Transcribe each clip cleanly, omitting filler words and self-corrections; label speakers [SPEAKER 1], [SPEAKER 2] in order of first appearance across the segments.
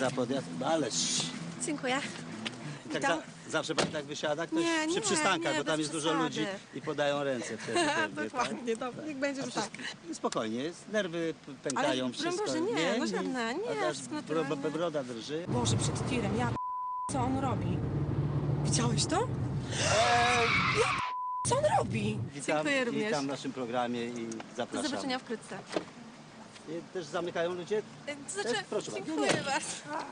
[SPEAKER 1] za podjazd. Ależ.
[SPEAKER 2] Dziękuję.
[SPEAKER 1] Tak zawsze pan tak wysiada? Ktoś
[SPEAKER 2] Nie,
[SPEAKER 1] przy
[SPEAKER 2] nie,
[SPEAKER 1] przystankach,
[SPEAKER 2] nie,
[SPEAKER 1] bo tam
[SPEAKER 2] bez
[SPEAKER 1] jest dużo
[SPEAKER 2] przesady.
[SPEAKER 1] ludzi i podają ręce wtedy. pewnie,
[SPEAKER 2] Dokładnie, dobra, niech będzie, że tak.
[SPEAKER 1] Spokojnie, nerwy pękają,
[SPEAKER 2] Ale
[SPEAKER 1] wszystko.
[SPEAKER 2] broń Boże, nie, no żadne, nie,
[SPEAKER 1] A
[SPEAKER 2] wszystko naturalne.
[SPEAKER 1] broda drży.
[SPEAKER 2] Boże, przed tirem, co on robi? Widziałeś to? Co on robi? Dziękuję również.
[SPEAKER 1] Witam w naszym programie i zapraszam.
[SPEAKER 2] Do zobaczenia wkrótce.
[SPEAKER 1] I też zamykają ludzie?
[SPEAKER 2] To znaczy,
[SPEAKER 1] Też? Proszę bardzo.
[SPEAKER 2] dziękuję bardzo.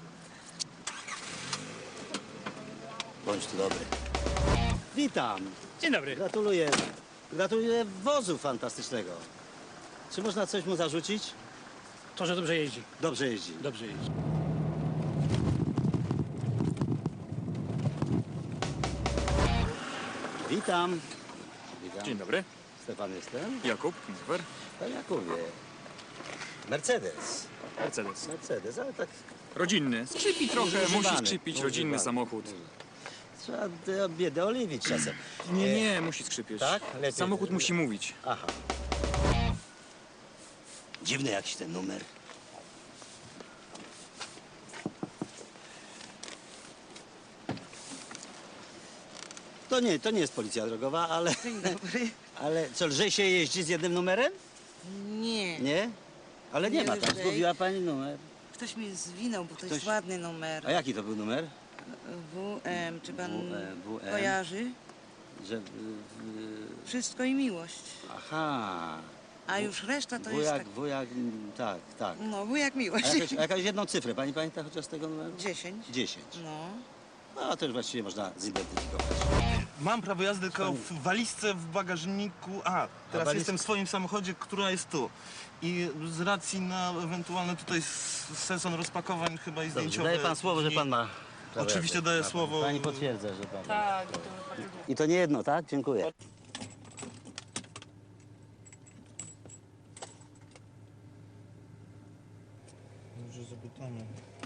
[SPEAKER 1] Bądź tu dobry. Witam.
[SPEAKER 3] Dzień dobry.
[SPEAKER 1] Gratuluję. Gratuluję wozu fantastycznego. Czy można coś mu zarzucić?
[SPEAKER 3] To, że dobrze jeździ.
[SPEAKER 1] Dobrze jeździ.
[SPEAKER 3] Dobrze jeździ.
[SPEAKER 1] Witam. Witam.
[SPEAKER 4] Dzień dobry.
[SPEAKER 1] Stefan jestem.
[SPEAKER 4] Jakub, Kinfer.
[SPEAKER 1] Panie Jakubie. Mercedes.
[SPEAKER 4] Mercedes.
[SPEAKER 1] Ale tak
[SPEAKER 4] Rodzinny. Skrzypi trochę,
[SPEAKER 1] Używany.
[SPEAKER 4] musi skrzypić. Rodzinny
[SPEAKER 1] Używany.
[SPEAKER 4] samochód.
[SPEAKER 1] trzeba biedę oliwić czasem.
[SPEAKER 4] Nie, musi skrzypieć.
[SPEAKER 1] Tak? Lepiej.
[SPEAKER 4] Samochód musi mówić.
[SPEAKER 1] Aha. Dziwny jakiś ten numer. To nie jest policja drogowa, ale...
[SPEAKER 5] Dzień dobry.
[SPEAKER 1] Ale co, lżej się jeździ z jednym numerem?
[SPEAKER 5] Nie.
[SPEAKER 1] Nie? Ale nie
[SPEAKER 5] Nie
[SPEAKER 1] ma tam,
[SPEAKER 5] lżej.
[SPEAKER 1] zgubiła pani numer.
[SPEAKER 5] Ktoś mi zwinął, bo to
[SPEAKER 1] Ktoś-
[SPEAKER 5] jest ładny numer.
[SPEAKER 1] A jaki to był numer?
[SPEAKER 5] WM, czy pan
[SPEAKER 1] WM.
[SPEAKER 5] kojarzy?
[SPEAKER 1] Że...
[SPEAKER 5] Wszystko i miłość.
[SPEAKER 1] Aha.
[SPEAKER 5] A już reszta to jest tak...
[SPEAKER 1] Wujak, tak, tak.
[SPEAKER 5] No, wujek miłość.
[SPEAKER 1] A jakaś jedną cyfrę, pani pamięta chociaż z tego numeru?
[SPEAKER 5] 10.
[SPEAKER 1] 10.
[SPEAKER 5] No.
[SPEAKER 1] No to już właściwie można zidentyfikować.
[SPEAKER 6] Mam prawo jazdy tylko w walizce w bagażniku. Teraz
[SPEAKER 1] waliz-
[SPEAKER 6] jestem w swoim samochodzie, która jest tu. I z racji na ewentualny tutaj sezon rozpakowań chyba i
[SPEAKER 1] Dobrze,
[SPEAKER 6] zdjęciowy.
[SPEAKER 1] daje pan słowo, że pan ma... prawo
[SPEAKER 6] Oczywiście
[SPEAKER 1] jazdy.
[SPEAKER 6] daję
[SPEAKER 1] Ma pan.
[SPEAKER 6] słowo.
[SPEAKER 1] Pani potwierdza, że pan...
[SPEAKER 2] Tak,
[SPEAKER 1] I to nie jedno, tak? Dziękuję.
[SPEAKER 6] Może zapytamy.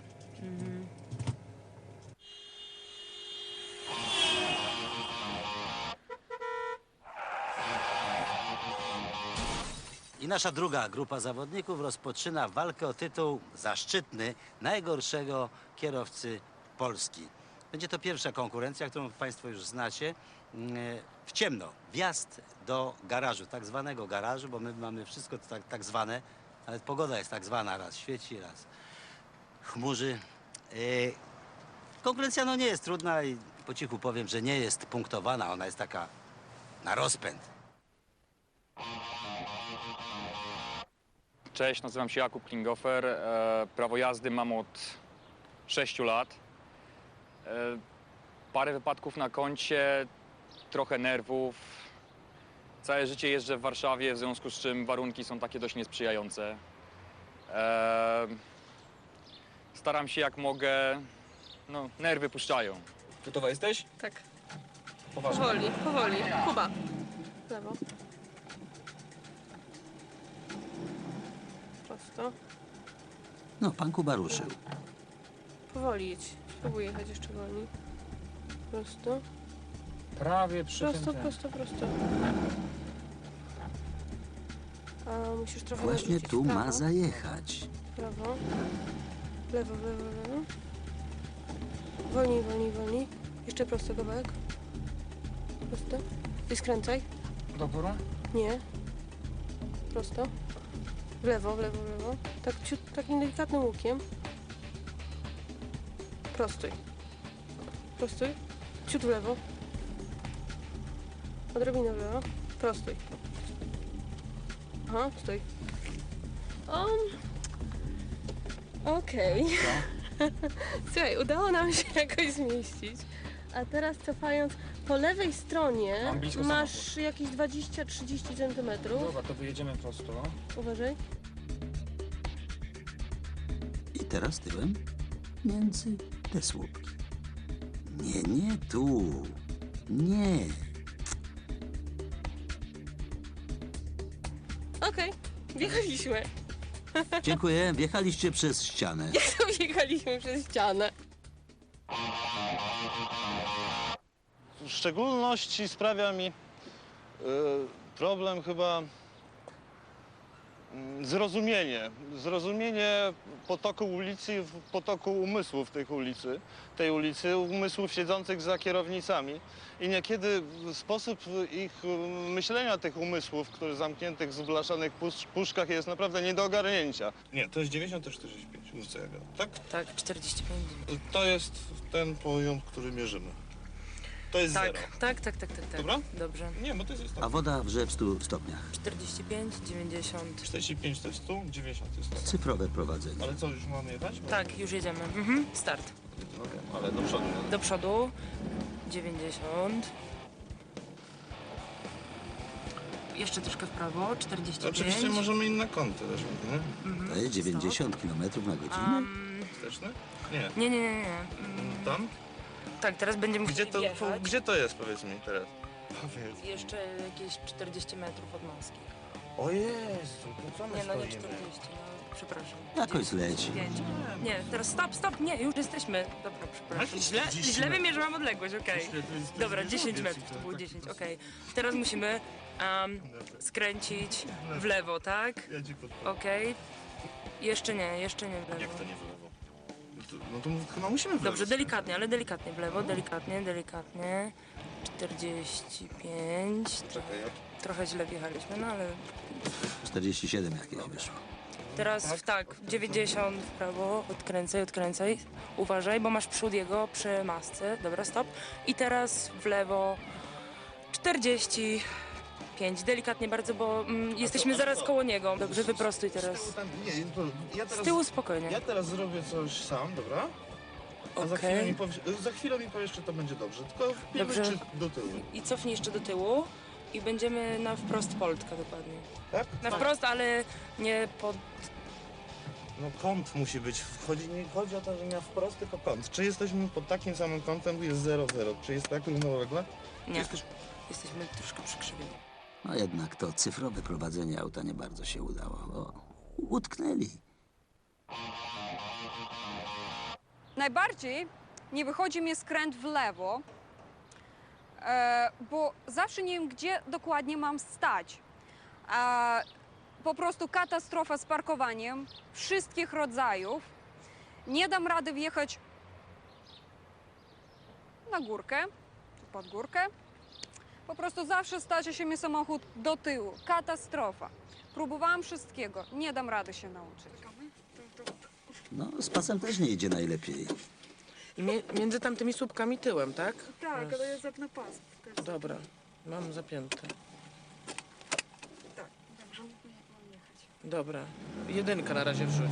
[SPEAKER 1] I nasza druga grupa zawodników rozpoczyna walkę o tytuł zaszczytny najgorszego kierowcy Polski. Będzie to pierwsza konkurencja, którą państwo już znacie. W ciemno. Wjazd do garażu, tak zwanego garażu, bo my mamy wszystko tak zwane. Nawet pogoda jest tak zwana, raz świeci, raz chmurzy. Konkurencja no nie jest trudna i po cichu powiem, że nie jest punktowana. Ona jest taka na rozpęd.
[SPEAKER 4] Cześć, nazywam się Jakub Klingofer. Prawo jazdy mam od 6 lat. Parę wypadków na koncie, trochę nerwów. Całe życie jeżdżę w Warszawie, w związku z czym warunki są takie dość niesprzyjające. Staram się jak mogę, no nerwy puszczają. Gotowa jesteś?
[SPEAKER 2] Tak.
[SPEAKER 4] Poważnie.
[SPEAKER 2] Powoli, powoli. Kuba. W lewo. Prosto.
[SPEAKER 1] No, pan Kuba ruszył.
[SPEAKER 2] Powoli jedź. Spróbuj jechać jeszcze wolniej. Prosto.
[SPEAKER 4] Prawie przy
[SPEAKER 2] Prosto, prosto, prosto. A musisz trochę
[SPEAKER 1] Właśnie
[SPEAKER 2] odwrócić
[SPEAKER 1] tu
[SPEAKER 2] w prawo.
[SPEAKER 1] ma zajechać.
[SPEAKER 2] Prawo. Lewo, lewo, lewo. Wolniej, wolniej, wolniej. Jeszcze prosto kawałek. Prosto. I skręcaj.
[SPEAKER 4] Do góry?
[SPEAKER 2] Nie. Prosto. W lewo, w lewo, w lewo. Tak takim delikatnym łukiem. Prostuj. Prostuj. Ciut w lewo. Odrobinę w lewo. Prostuj. Aha, stój. Okej. Słuchaj, udało nam się jakoś zmieścić. A teraz cofając po lewej stronie
[SPEAKER 4] Mam blisko
[SPEAKER 2] masz jakieś 20-30 centymetrów.
[SPEAKER 4] Dobra, to wyjedziemy prosto.
[SPEAKER 2] Uważaj.
[SPEAKER 1] I teraz tyłem między te słupki. Nie tu. Nie.
[SPEAKER 2] Okej, wjechaliśmy.
[SPEAKER 1] Dziękuję. Wjechaliście przez ścianę.
[SPEAKER 2] Wjechaliśmy przez ścianę.
[SPEAKER 6] W szczególności sprawia mi problem chyba Zrozumienie potoku ulicy, potoku umysłów tej ulicy, umysłów siedzących za kierownicami. I niekiedy sposób ich myślenia, tych umysłów, które zamkniętych w blaszanych puszkach jest naprawdę nie do ogarnięcia. Nie, to jest 90 to 45, mów co ja gadam, tak?
[SPEAKER 7] Tak, 45.
[SPEAKER 6] To jest ten poziom, który mierzymy. To jest zero.
[SPEAKER 7] Tak.
[SPEAKER 6] Dobra?
[SPEAKER 7] Dobrze.
[SPEAKER 6] Nie, bo to jest
[SPEAKER 1] A
[SPEAKER 6] istotne.
[SPEAKER 1] woda wrze w 100 stopniach.
[SPEAKER 7] 45, 90.
[SPEAKER 6] 45 to jest 100, 90 to jest 100.
[SPEAKER 1] Cyfrowe prowadzenie.
[SPEAKER 6] Ale co, już mamy jechać?
[SPEAKER 7] Tak, już jedziemy. Start.
[SPEAKER 6] Okej, ale do przodu.
[SPEAKER 7] Do przodu. 90. Jeszcze troszkę w prawo. 45.
[SPEAKER 6] Oczywiście możemy inne kąty też, nie?
[SPEAKER 1] To jest 90 km na godzinę.
[SPEAKER 6] Wsteczny? Nie.
[SPEAKER 7] Nie.
[SPEAKER 6] Tam?
[SPEAKER 7] Tak, teraz będziemy
[SPEAKER 6] Gdzie
[SPEAKER 7] musieli
[SPEAKER 6] to,
[SPEAKER 7] wjechać.
[SPEAKER 6] gdzie to jest, powiedz mi teraz? Powiedz.
[SPEAKER 7] Jeszcze jakieś 40 metrów od maski.
[SPEAKER 6] O Jezu, to co my
[SPEAKER 7] Nie, no nie
[SPEAKER 6] stoimy?
[SPEAKER 7] 40, no przepraszam.
[SPEAKER 1] Jakoś leci.
[SPEAKER 7] 5. Nie, teraz stop, nie, już jesteśmy. Dobra, przepraszam. Źle wymierzyłam odległość, okej. Dobra, 10 metrów, to było 10, okej. Teraz musimy skręcić w lewo, tak?
[SPEAKER 6] Ja ci podpowiem.
[SPEAKER 7] Okej. Jeszcze nie w lewo.
[SPEAKER 6] Jak to nie w lewo? No to chyba musimy w lewo.
[SPEAKER 7] Dobrze, delikatnie, ale delikatnie w lewo, delikatnie. 45.
[SPEAKER 6] Czekaj,
[SPEAKER 7] Trochę źle wjechaliśmy, no ale
[SPEAKER 1] 47 jakieś wyszło.
[SPEAKER 7] teraz tak, 90 w prawo, odkręcaj. Uważaj, bo masz przód jego przy masce. Dobra, stop. I teraz w lewo 45. Delikatnie bardzo, bo jesteśmy zaraz koło niego. Dobrze, wyprostuj teraz.
[SPEAKER 6] Ja
[SPEAKER 7] Z
[SPEAKER 6] teraz,
[SPEAKER 7] tyłu spokojnie.
[SPEAKER 6] ja teraz zrobię coś sam, dobra? A za
[SPEAKER 7] Okej.
[SPEAKER 6] chwilę mi powiesz, czy to będzie dobrze. Tylko wpijmy
[SPEAKER 7] Dobrze.
[SPEAKER 6] czy do tyłu.
[SPEAKER 7] I cofnij jeszcze do tyłu i będziemy na wprost Poltka dokładnie.
[SPEAKER 6] Tak?
[SPEAKER 7] Na wprost, ale nie pod...
[SPEAKER 6] No kąt musi być. Nie chodzi o to, że nie wprost, tylko kąt. Czy jesteśmy pod takim samym kątem, jest 0,0? Czy jest tak równolegle?
[SPEAKER 7] Nie. Jesteśmy troszkę przykrzywieni.
[SPEAKER 1] No jednak to cyfrowe prowadzenie auta nie bardzo się udało. O, utknęli.
[SPEAKER 8] Najbardziej nie wychodzi mi skręt w lewo, bo zawsze nie wiem, gdzie dokładnie mam stać. Po prostu katastrofa z parkowaniem wszystkich rodzajów. Nie dam rady wjechać na górkę, czy pod górkę. Po prostu zawsze stacza się mi samochód do tyłu. Katastrofa. Próbowałam wszystkiego, nie dam rady się nauczyć.
[SPEAKER 1] No, z pasem też nie idzie najlepiej.
[SPEAKER 9] I między tamtymi słupkami tyłem, tak?
[SPEAKER 8] Tak, ale ja zapnę pas.
[SPEAKER 9] Dobra, mam zapięte.
[SPEAKER 8] Tak, dobrze, mam jechać.
[SPEAKER 9] Dobra, jedynka na razie wrzuć.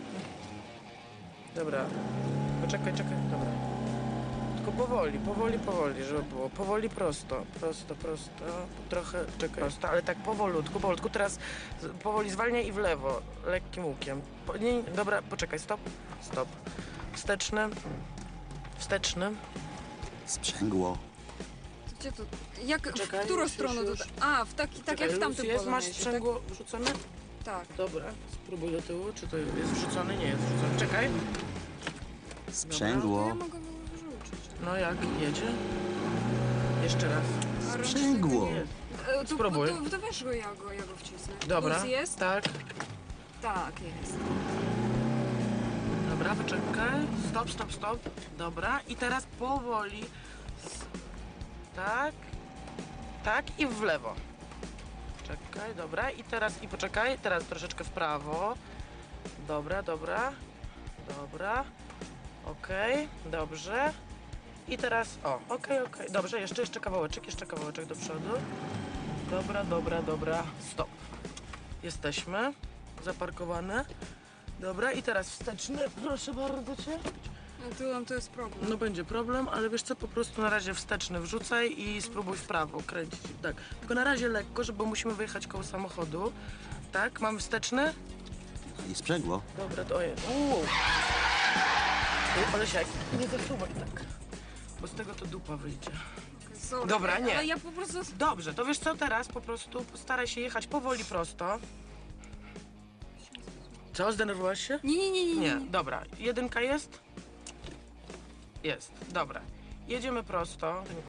[SPEAKER 9] Dobra, poczekaj, dobra. Tylko powoli, żeby było. Powoli prosto, trochę, czekaj, prosto, ale tak powolutku. Teraz powoli zwalniaj i w lewo, lekkim łukiem. Dobra, poczekaj, stop. Wsteczny.
[SPEAKER 1] Sprzęgło.
[SPEAKER 8] Gdzie to? Jak,
[SPEAKER 9] Czekaj,
[SPEAKER 8] w którą
[SPEAKER 9] już,
[SPEAKER 8] stronę
[SPEAKER 9] już.
[SPEAKER 8] tutaj? A, tak jak w tamtym
[SPEAKER 9] jest, masz
[SPEAKER 8] Polonezie,
[SPEAKER 9] sprzęgło wrzucone?
[SPEAKER 8] Tak.
[SPEAKER 9] Dobra, spróbuj do tyłu, czy to jest wrzucony? Nie jest wrzucony. Czekaj.
[SPEAKER 1] Sprzęgło.
[SPEAKER 8] Ja mogę wyrzucić.
[SPEAKER 9] No jak jedzie? Jeszcze raz.
[SPEAKER 1] Sprzęgło.
[SPEAKER 9] Jest.
[SPEAKER 8] Spróbuj. To weź go, ja go wcisnę.
[SPEAKER 9] Dobra.
[SPEAKER 8] Plus jest?
[SPEAKER 9] Tak.
[SPEAKER 8] Tak, jest.
[SPEAKER 9] Dobra, poczekaj. Stop. Dobra. I teraz powoli. Tak. Tak i w lewo. Czekaj, dobra. I poczekaj. Teraz troszeczkę w prawo. Dobra. Okej, dobrze. I teraz, okej. Dobrze, jeszcze kawałeczek do przodu. Dobra. Stop. Jesteśmy zaparkowane. Dobra, i teraz wsteczny. Proszę bardzo cię.
[SPEAKER 8] No tyłem to jest problem.
[SPEAKER 9] No będzie problem, ale wiesz co, po prostu na razie wsteczny wrzucaj i spróbuj w prawo kręcić. Tak, tylko na razie lekko, bo musimy wyjechać koło samochodu. Tak, mamy wsteczny?
[SPEAKER 1] I sprzęgło.
[SPEAKER 9] Dobra, to jest. Olesiak, nie zasuwaj tak, bo z tego to dupa wyjdzie.
[SPEAKER 8] Sorry,
[SPEAKER 9] Dobra, nie.
[SPEAKER 8] Ale ja po prostu...
[SPEAKER 9] Dobrze, to wiesz co, teraz po prostu staraj się jechać powoli prosto. Co, zdenerwowałaś się?
[SPEAKER 8] Nie.
[SPEAKER 9] Dobra, jedynka jest? Jest, dobra. Jedziemy prosto.